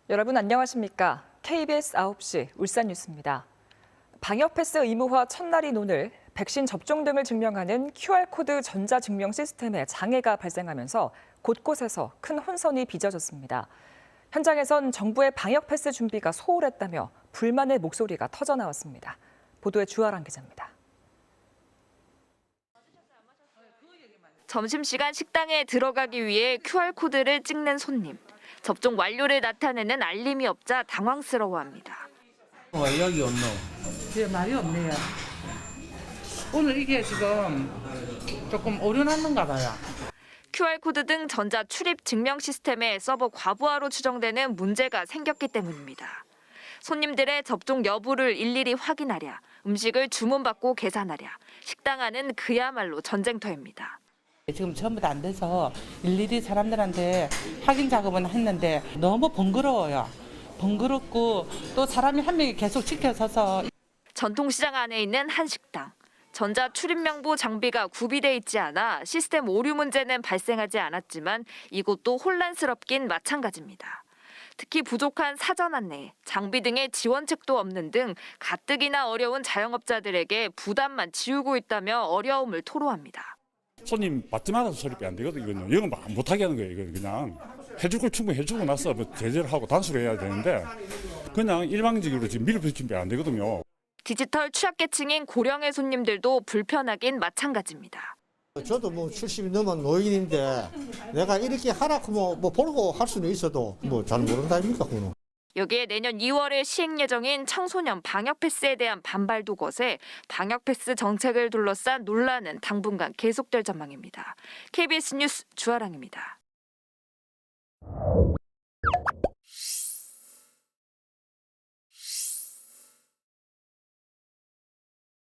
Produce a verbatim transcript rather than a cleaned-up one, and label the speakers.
Speaker 1: 여러분 안녕하십니까? 케이비에스 아홉 시 울산 뉴스입니다. 방역 패스 의무화 첫날인 오늘 백신 접종 등을 증명하는 큐알코드 전자증명 시스템에 장애가 발생하면서 곳곳에서 큰 혼선이 빚어졌습니다. 현장에선 정부의 방역 패스 준비가 소홀했다며 불만의 목소리가 터져나왔습니다. 보도에 주아랑 기자입니다.
Speaker 2: 점심시간 식당에 들어가기 위해 큐알코드를 찍는 손님. 접종 완료를 나타내는 알림이 없자 당황스러워합니다.
Speaker 3: 왜 여기 없노?
Speaker 4: 네, 말이 없네요. 오늘 이게 지금 조금 오류났는가 봐요.
Speaker 2: 큐알코드 등 전자 출입 증명 시스템에 서버 과부하로 추정되는 문제가 생겼기 때문입니다. 손님들의 접종 여부를 일일이 확인하랴, 음식을 주문받고 계산하랴, 식당 안은 그야말로 전쟁터입니다.
Speaker 4: 지금 전부 다 안 돼서 일일이 사람들한테 확인 작업은 했는데 너무 번거로워요. 번거롭고 또 사람이 한 명이 계속 지켜서서.
Speaker 2: 전통시장 안에 있는 한 식당. 전자 출입명부 장비가 구비돼 있지 않아 시스템 오류 문제는 발생하지 않았지만 이곳도 혼란스럽긴 마찬가지입니다. 특히 부족한 사전 안내, 장비 등의 지원책도 없는 등 가뜩이나 어려운 자영업자들에게 부담만 지우고 있다며 어려움을 토로합니다.
Speaker 5: 손님 받지 말아서 소리빼 안 되거든요. 이건 못하게 하는 거예요. 이건 그냥 해줄 걸 충분히 해주고 나서 뭐 제재를 하고 단수를 해야 되는데 그냥 일방적으로 지금 밀어붙이면 안 되거든요.
Speaker 2: 디지털 취약계층인 고령의 손님들도 불편하긴 마찬가지입니다.
Speaker 6: 저도 뭐 칠십이 넘은 노인인데 내가 이렇게 하라 뭐, 뭐 보고 할 수는 있어도 뭐 잘 모른다 아닙니까 그거는.
Speaker 2: 여기에 내년 이월에 시행 예정인 청소년 방역 패스에 대한 반발도 거세 방역 패스 정책을 둘러싼 논란은 당분간 계속될 전망입니다. 케이비에스 뉴스 주아랑입니다.